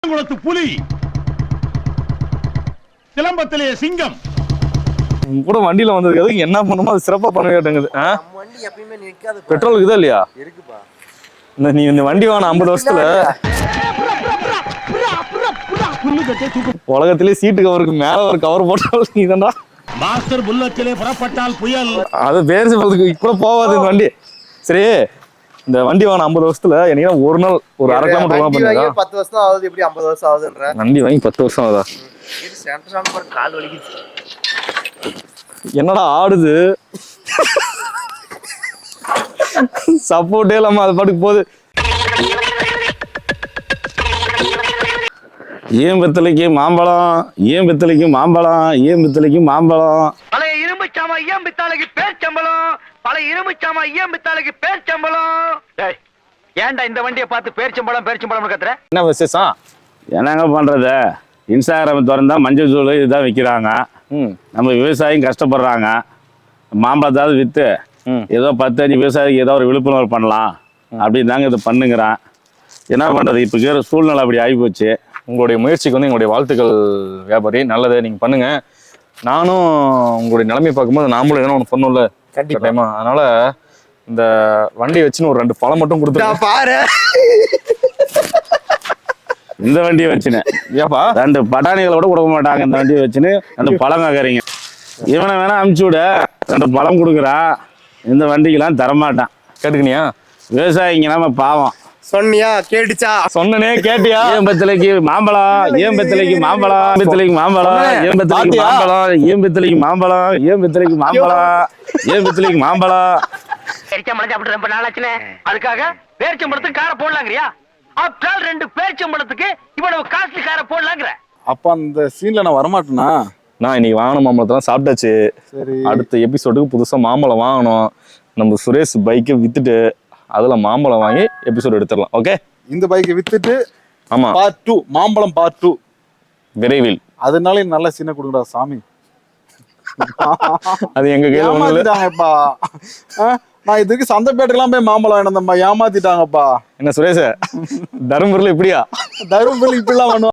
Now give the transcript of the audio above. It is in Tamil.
குளத்து புலி, சிலம்பத்திலே சிங்கம் கூட வண்டியில வந்திருக்கிறதுக்கு என்ன பண்ணுமோ அது சிறப்பா பண்ண கேட்டுங்குது. வண்டி எப்பயுமே நிக்காது. பெட்ரோல் இருக்குதா இல்லையா? இருக்குப்பா. நீ இந்த வண்டி வாங்க 50 வருஷத்துல உலகத்திலே சீட்டு கவருக்கு மேல ஒரு கவர் போட்டாலும் நீதான்டா. மாஸ்டர் புல்லட்டிலே புறப்பட்டால் புயல். அது பேர் சொல்றதுக்கு கூட போகாது இந்த வண்டி. சரி, இந்த வண்டி வாங்க 50 வருஷத்துல என்னையா ஒரு நாள் ஒரு அரை கிலோமீட்டர் பண்ணுங்க. 10 வருஷம் ஆகுது, எப்படி 50 வருஷம் ஆகுதுன்ற? வண்டி வாங்கி 10 வருஷம் ஆகுதா? இது சென்டர் கால் வலிக்குது. என்னடா ஆடுது? சப்போர்ட்டே இல்லாம அது பாட்டுக்கு போகுது. ஏன் பித்தளைக்கு மாம்பழம், ஏன் பித்தளைக்கு மாம்பழம், ஏன் பித்தளைக்கு மாம்பழம். பழைய இரும்பு சாமா ஏன் பித்தாளைக்கு பேர்ச்சம்பளம், பழைய இரும்பு சாமா ஏன் பித்தாளைக்கு பேர்ச்சம்பளம். ஏன்டா இந்த வண்டியை பார்த்து பேர்ச்சம்பளம் பேர்ச்சம்பளம் கத்துற? என்ன விசேஷம்? என்னங்க பண்றது? இன்ஸ்டாகிராம் திறந்தா மஞ்சள் தூள் இதுதான் விற்கிறாங்க. நம்ம விவசாயியும் கஷ்டப்படுறாங்க. மாம்பழத்தாவது விற்று ஏதோ 10-5 விவசாயிக்கு ஏதோ ஒரு விழிப்புணர்வு பண்ணலாம் அப்படின்னு தாங்க இதை பண்ணுங்கிறேன். என்ன பண்ணுறது, இப்போ இருக்கிற சூழ்நிலை அப்படி ஆகிப்போச்சு. உங்களுடைய முயற்சிக்கு வந்து எங்களுடைய வாழ்த்துக்கள் வியாபாரி. நல்லது, நீங்கள் பண்ணுங்க. நானும் உங்களுடைய நிலைமை பார்க்கும்போது நாமளும் ஏன்னா ஒன்று பண்ணும்ல கண்டிப்பாக. அதனால இந்த வண்டியை வச்சுன்னு ஒரு 2 பழம் மட்டும் கொடுத்துருக்கேன் பாரு. இந்த வண்டியை வச்சுனேன் ஏப்பா 2 பட்டாணிகளை கூட கொடுக்க மாட்டாங்க. இந்த வண்டியை வச்சுன்னு அந்த பழம் கேட்குறீங்க. இவனை வேணா அமுச்சு விட 2 பழம் கொடுக்குறான். இந்த வண்டிக்கெல்லாம் தரமாட்டான். கேட்டுக்கினியா? விவசாயிங்க நம்ம பாவம். சொன்னியா? கேட்டுச்சா? சொன்னனே கேட்டியா? ஏன் பித்தளைக்கு மாம்பழம், ஏன் பித்தளைக்கு மாம்பழம், பித்தளைக்கு மாம்பழம், ஏன் பித்தளைக்கு மாம்பழம், ஏன் பித்தளைக்கு மாம்பழம், ஏன் பித்தளைக்கு மாம்பழம், ஏன் பித்தளைக்கு மாம்பழம். பேரிச்சம்பளம் சாப்பிட்டு ரொம்ப நாளாச்சுனே, அதுக்காக பேரிச்சம்பளத்துக்கு காரை போடலாங்கிறியா? ஆப்டால் 2 பேரிச்சம்பளத்துக்கு இவ்வளவு காஸ்ட்லி காரை போடலாங்கிற? அப்ப அந்த சீன்ல நான் வரமாட்டேனா? நான் இன்னைக்கு வாங்கின மாம்பழத்தெல்லாம் சாப்பிட்டாச்சு. சரி, அடுத்த எபிசோடுக்கு புதுசா மாம்பழம் வாங்கணும். நம்ம சுரேஷ் பைக்கை வித்துட்டு அதுல மாம்பழம் வாங்கி எபிசோடு எடுத்துடலாம். ஓகே, இந்த பைக்கை வித்துட்டு ஆமா பார்ட் 2 மாம்பழம் பார்ட் 2 விரைவில். அதனால நல்ல சீனை கொடுங்கடா சாமி. அது எங்க கையில ஒண்ணு இல்ல. ஏமாத்திட்டாங்கப்பா. நான் இதுக்கு சந்தைப்பேட்டைக்கெல்லாம் போய் மாம்பழம் வேணும், ஏமாத்திட்டாங்கப்பா. என்ன சுரேஷ், தருமபுரியில இப்படியா? தருமபுரி இப்படிலாம் பண்ணுவாங்க.